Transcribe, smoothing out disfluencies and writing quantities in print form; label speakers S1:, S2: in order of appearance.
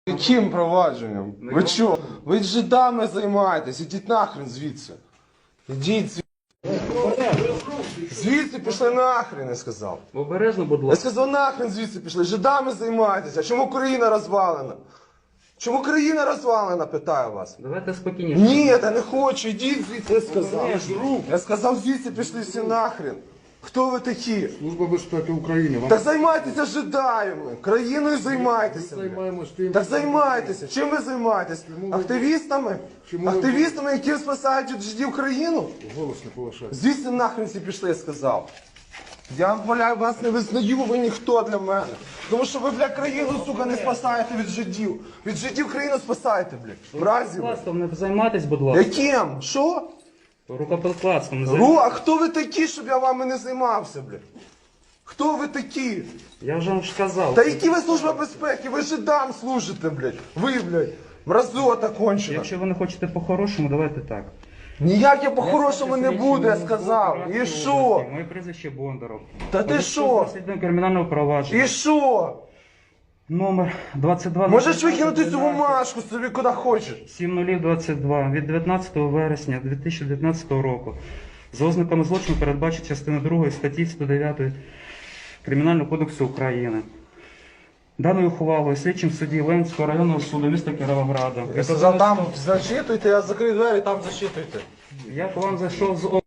S1: Яким провадженням? Ви чо? Ви жидами займаєтесь, ідіть нахрен звідси. Ідіть звідси. Звідси пішли нахрен, я сказав.
S2: Обережно, будь
S1: Я
S2: ласка.
S1: сказав, нахрен звідси пішли. Жидами займаєтеся. А чому країна розвалена? Чому країна розвалена, питаю вас.
S2: Давайте спокійніше.
S1: Ні, я не хочу, ідіть звідси, я сказав. Я сказав, звідси пішли всі нахрен. Хто ви такі?
S3: Служба безпеки України. Вам
S1: Так займайтеся жидами. Країною займайтеся. блядь.
S3: займаємось тим.
S1: Так займайтеся. Чим ви займаєтесь? Активістами?
S3: Чому ви-
S1: Активістами, які спасають від жидів країну?
S3: Голос не повишайте.
S1: Звідси нахрен всі пішли, я сказав. Я вас не визнаю, ви ніхто для мене. Тому що ви, блядь, країну, сука, не спасаєте від жидів. Від жидів країну спасаєте, блядь. Мразі ви.
S2: Рукоприкладством не займайтесь, будь ласка.
S1: Яким? Що?
S2: Рукоприкладством не займайтесь.
S1: А хто ви такі, щоб я вами не займався, блядь? Хто ви такі?
S2: Я вже вам сказав.
S1: Та які ви служба безпеки? Ви жидам служите, блядь. Ви, блядь, мразота кончена.
S2: Якщо ви не хочете по-хорошому, давайте так.
S1: Ніяк я по-хорошому не буду, я сказав. І що?
S2: Моє прізвище Бондаров.
S1: Та ти що?
S2: Розслідування кримінального провадження.
S1: І що?
S2: Номер 22.
S1: Можеш викинути цю бумажку собі куди хочеш.
S2: 7022 від 19 вересня 2019 року. За ознаками злочину передбачить частина 2 статті 109 Кримінального кодексу України. Даною ухвалою слідчим судді Ленського районного суду міста Кіровограда.
S1: Я сказав, там зачитуйте, я закрию двері, там зачитуйте.
S2: Я к вам зайшов з